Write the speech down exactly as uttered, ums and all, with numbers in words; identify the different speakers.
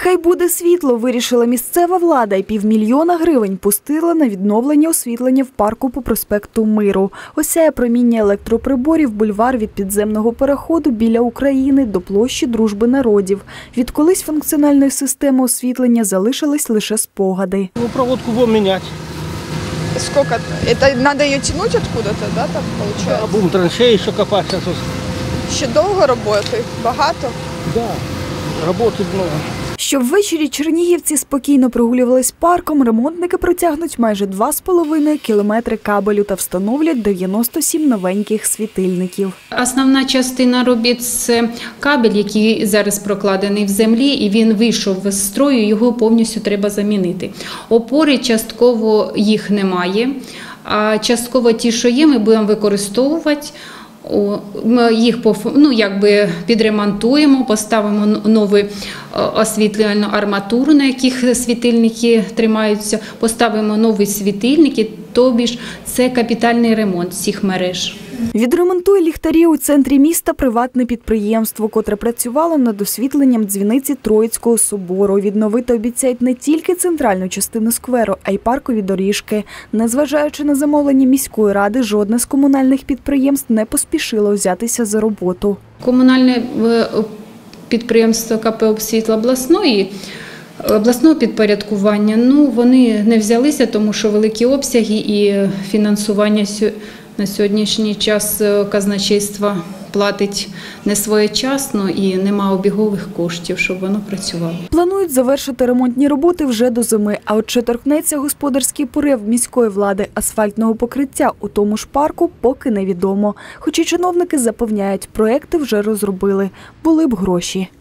Speaker 1: Хай буде світло, вирішила місцева влада і півмільйона гривень пустила на відновлення освітлення в парку по проспекту Миру. Осяє проміння електроприборів бульвар від підземного переходу біля України до площі Дружби народів. Від колись функціональної системи освітлення залишились лише спогади.
Speaker 2: Ну, проводку будем менять.
Speaker 3: Сколько? Это надо ее тянуть откуда-то, да, там получается?
Speaker 2: А будем траншеи еще копать сейчас.
Speaker 3: Ще довго роботи? Багато?
Speaker 2: Да, работы много.
Speaker 1: Щоб ввечері чернігівці спокійно прогулювались парком, ремонтники протягнуть майже два з половиною кілометри кабелю та встановлять дев'яносто сім новеньких світильників.
Speaker 4: Основна частина робіт – це кабель, який зараз прокладений в землі, і він вийшов з строю, його повністю треба замінити. Опори частково їх немає, а частково ті, що є, ми будемо використовувати. Ми їх ну, якби підремонтуємо, поставимо нову освітлювальну арматуру, на яких світильники тримаються, поставимо нові світильники, тобі ж це капітальний ремонт всіх мереж.
Speaker 1: Відремонтує ліхтарі у центрі міста приватне підприємство, котре працювало над освітленням дзвіниці Троїцького собору. Відновити обіцяють не тільки центральну частину скверу, а й паркові доріжки. Незважаючи на замовлення міської ради, жодне з комунальних підприємств не поспішило взятися за роботу.
Speaker 4: Комунальне підприємство ка пе «Обсвітло» обласної обласного підпорядкування, ну, вони не взялися, тому що великі обсяги і фінансування на сьогоднішній час казначейство платить не своєчасно і нема обігових коштів, щоб воно працювало.
Speaker 1: Планують завершити ремонтні роботи вже до зими, а от чи торкнеться господарський порив міської влади асфальтного покриття у тому ж парку, поки невідомо. Хоч і чиновники запевняють, проекти вже розробили, були б гроші.